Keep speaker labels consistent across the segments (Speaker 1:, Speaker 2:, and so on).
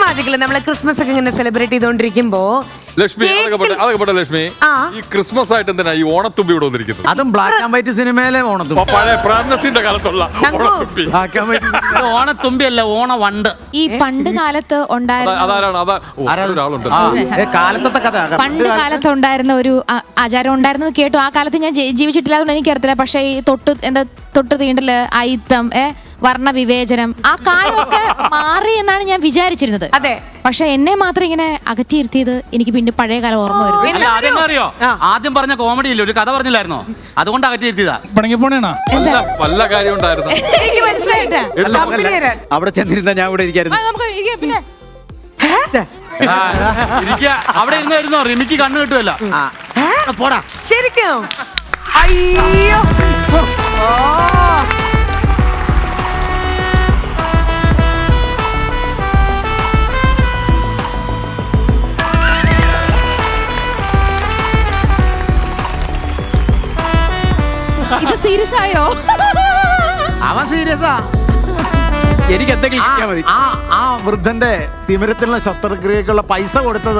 Speaker 1: മാജിക്കില് നമ്മള് ക്രിസ്മസ് ഒക്കെ ഇങ്ങനെ സെലിബ്രേറ്റ് ചെയ്തോണ്ടിരിക്കുമ്പോ
Speaker 2: ലക്ഷ്മി അതൊക്കെ പോട്ടെ ലക്ഷ്മി, ഈ ക്രിസ്മസ് ആയിട്ട് എന്തിനാ ഈ ഓണത്തുമ്പി ഇവിടെ വന്നിരിക്കുന്നത്?
Speaker 3: അതും ബ്ലാക്ക് ആൻഡ് വൈറ്റ് സിനിമയിലെ ഓണത്തുമ്പി.
Speaker 2: പഴയ പ്രാണസിന്റെ കാലത്തുള്ള ഓണത്തുമ്പി.
Speaker 4: ഓണത്തുമ്പി അല്ല, ഓണവണ്ട്.
Speaker 5: ഈ പണ്ട് കാലത്ത് ഉണ്ടായിരുന്ന
Speaker 3: കാലത്തെ കഥ.
Speaker 5: പണ്ട് കാലത്ത് ഉണ്ടായിരുന്ന ഒരു ആചാരം ഉണ്ടായിരുന്നത് കേട്ടു. ആ കാലത്ത് ഞാൻ ജീവിച്ചിട്ടില്ല, അതുകൊണ്ട് എനിക്കറിയത്തില്ല. പക്ഷെ ഈ തൊട്ട് തീണ്ടല്, അയിത്തം, വർണ്ണ വിവേചനം, ആ കാലമൊക്കെ മാറി എന്നാണ് ഞാൻ വിചാരിച്ചിരുന്നത്.
Speaker 1: അതെ.
Speaker 5: പക്ഷെ എന്നെ മാത്രം ഇങ്ങനെ അകറ്റിയിരുത്തിയത് എനിക്ക് പിന്നെ പഴയ കാലം ഓർമ്മ വരുന്നു.
Speaker 4: അതെന്താ അറിയോ, ആദ്യം പറഞ്ഞ കോമഡി ഇല്ല, ഒരു കഥ പറഞ്ഞില്ലായിരുന്നോ, അതുകൊണ്ട് അകറ്റിയിരുത്തിയതാ.
Speaker 2: വല്ല കാര്യം ഉണ്ടായിരുന്നു.
Speaker 5: എനിക്ക് മനസ്സിലായിട്ടാ.
Speaker 3: അവിടെ ചെന്നിരുന്ന ഞാൻ ഇവിടെ ഇരിക്കായിരുന്നു.
Speaker 5: നമുക്ക് പിന്നെ
Speaker 4: അവിടെ ഇരുന്നായിരുന്നോ, റിമിക്ക് കണ്ണു കിട്ടുമല്ലോ.
Speaker 3: പോടാ.
Speaker 1: ശരിക്കും അയ്യോ.
Speaker 5: ഇത് സീരിയസ് ആയോ?
Speaker 3: അവൻ സീരിയസാ. എനിക്ക് എന്തെങ്കിലും കിട്ടിയാ മതി. ആ വൃദ്ധന്റെ തിമിരത്തിലുള്ള ശസ്ത്രക്രിയക്കുള്ള പൈസ കൊടുത്തത്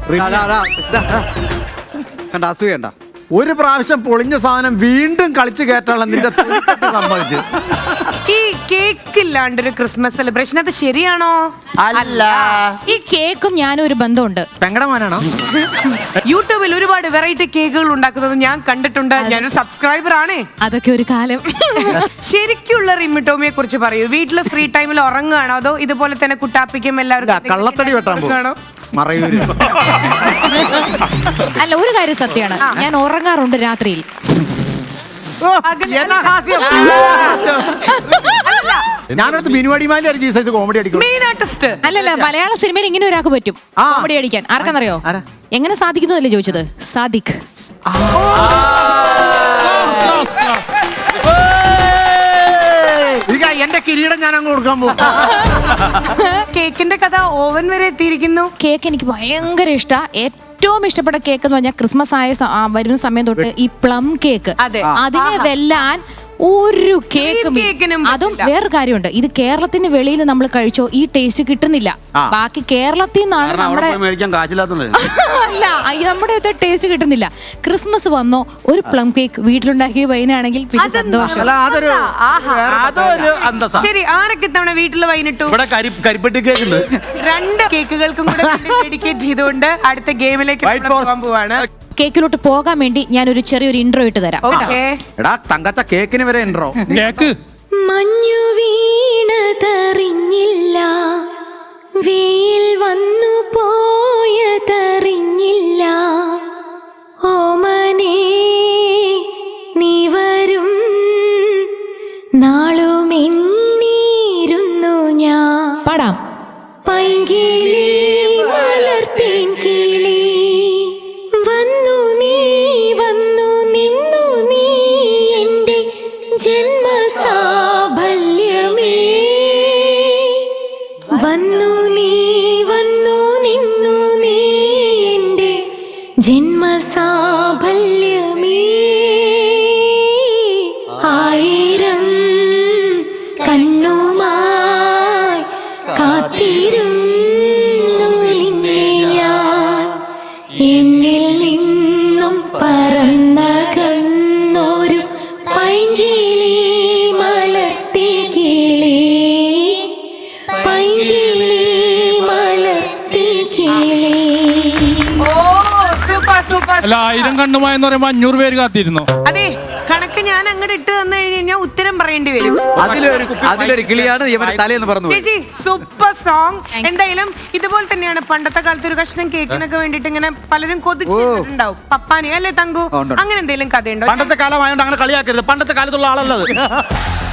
Speaker 3: അസൂയണ്ട. ഒരു പ്രാവശ്യം പൊളിഞ്ഞ സാധനം വീണ്ടും കളിച്ചു കയറ്റാനുള്ള നിന്റെ സംഭവിച്ചു.
Speaker 1: ഈ കേക്ക് ഇല്ലാണ്ടൊരു ക്രിസ്മസ് സെലിബ്രേഷൻ അത് ശരിയാണോ?
Speaker 3: അല്ല.
Speaker 5: ഈ കേക്കും ഞാനും ഒരു ബന്ധമുണ്ട്.
Speaker 3: പെങ്ങടെ മോനാണോ?
Speaker 1: യൂട്യൂബിൽ ഒരുപാട് വെറൈറ്റി കേക്കുകൾ ഉണ്ടാക്കുന്നത് ഞാൻ കണ്ടിട്ടുണ്ട്. ഞാനൊരു സബ്സ്ക്രൈബർ ആണ്.
Speaker 5: അതൊക്കെ ഒരു കാലം.
Speaker 1: ശരിക്കുള്ള റിമി ടോമിയെ കുറിച്ച് പറയൂ. വീട്ടില് ഫ്രീ ടൈമിൽ ഉറങ്ങുകയാണോ അതോ ഇതുപോലെ തന്നെ കുട്ടാപ്പിക്കും എല്ലാവരും
Speaker 3: കള്ളത്തടി വെട്ടാൻ പോകും? മറയൂര്.
Speaker 5: അല്ല, ഒരു കാര്യം സത്യമാണ്, ഞാൻ ഉറങ്ങാറുണ്ട് രാത്രിയിൽ.
Speaker 3: ഞാനടുത്ത് ബിനുവാടിമാലി സൈസ് കോമഡി അടിക്കും.
Speaker 5: അല്ലല്ല, മലയാള സിനിമയിൽ ഇങ്ങനെ ഒരാൾക്ക് പറ്റും കോമഡി അടിക്കാൻ. ആർക്കാന്നറിയോ? എങ്ങനെ സാധിക്കുന്നതല്ലേ ചോദിച്ചത്? സാദിഖ്.
Speaker 3: എന്റെ കിരീടം ഞാൻ അങ്ങ് കൊടുക്കാൻ പോകും.
Speaker 1: കേക്കിന്റെ കഥ ഓവൻ വരെ എത്തിയിരിക്കുന്നു.
Speaker 5: കേക്ക് എനിക്ക് ഭയങ്കര ഇഷ്ടമാണ്. ഏറ്റവും ഇഷ്ടപ്പെട്ട കേക്ക് എന്ന് പറഞ്ഞാൽ ക്രിസ്മസ് വരുന്ന സമയം തൊട്ട് ഈ പ്ലം കേക്ക്. അതിനെ വെല്ലാൻ ഒരു കേക്കും. അതും വേറൊരു കാര്യമുണ്ട്, ഇത് കേരളത്തിന് വെളിയിൽ നമ്മൾ കഴിച്ചോ ഈ ടേസ്റ്റ് കിട്ടുന്നില്ല. ബാക്കി കേരളത്തിൽ നിന്നാണ് നമ്മുടെ അല്ല, നമ്മുടെ ടേസ്റ്റ് കിട്ടുന്നില്ല. ക്രിസ്മസ് വന്നോ ഒരു പ്ലം കേക്ക് വീട്ടിലുണ്ടാക്കിയ വൈനാണെങ്കിൽ പിന്നെ സന്തോഷം.
Speaker 1: ശരി, ആരൊക്കെ തവണ വീട്ടിൽ വൈനിട്ടു?
Speaker 4: കരിപ്പെട്ടി കേക്ക് ഉണ്ട്.
Speaker 1: 2 കേക്കുകൾക്കും കൂടെ ഡെഡിക്കേറ്റ് ചെയ്തുകൊണ്ട് അടുത്ത ഗെയിമിലേക്ക് പോവാണ്.
Speaker 5: കേക്കിലോട്ട് പോകാൻ വേണ്ടി ഞാൻ ഒരു ചെറിയൊരു ഇൻട്രോ ഇട്ട് തരാം.
Speaker 3: എടാ തങ്കച്ച കേക്കിന് വരെ ഇൻട്രോ.
Speaker 6: മഞ്ഞു വീണതറിഞ്ഞില്ല, വെയിൽ വന്നു പോയതറിഞ്ഞില്ല, ഓമനേ നീ വരും നാളുമെണ്ണീരുന്നു ഞാൻ.
Speaker 5: പാടാം.
Speaker 6: പൈകിളി മലർത്തേൻ കിളി വന്നു നിന്നു നീ എൻ്റെ ജന്മസാഫല്യമേ. വന്നു നിന്നു നീ എൻ്റെ ജന്മസാഫല്യമേ. 1000 കണ്ണുമായി കാത്തിരുന്നു നിന്നെ ഞാൻ. എന്നിൽ നിന്നും പറന്നകന്നൊരു പൈങ്കിളി മലർത്തി കിളി, പൈങ്കിളി മലർത്തി കിളി.
Speaker 1: അല്ല,
Speaker 7: 1000 കണ്ണുമായെന്ന് പറയുമ്പോ 500 പേര് കാത്തിരുന്നു.
Speaker 1: അതെ, കണക്ക് ഞാൻ അങ്ങോട്ട് ഇട്ട് തന്നു കഴിഞ്ഞാൽ ഉത്തരം പറയേണ്ടി വരും.
Speaker 3: അതിലൊരു കിളിയാണ് ഇവന്റെ തലേന്ന് പറഞ്ഞു.
Speaker 1: ചേച്ചി സൂപ്പർ സോങ്. എന്തായാലും ഇതുപോലെ തന്നെയാണ് പണ്ടത്തെ കാലത്ത് ഒരു കഷ്ണം കേക്കിനൊക്കെ വേണ്ടിട്ട് ഇങ്ങനെ പലരും കൊതിച്ചിട്ടുണ്ടാവും. പപ്പാനി അല്ലേ തങ്കു? അങ്ങനെ എന്തെങ്കിലും കഥയുണ്ടോ?
Speaker 4: പണ്ടത്തെ കാലമായോണ്ട് അങ്ങനെ കളിയാക്കരുത്, പണ്ടത്തെ കാലത്തുള്ള ആളല്ലത്.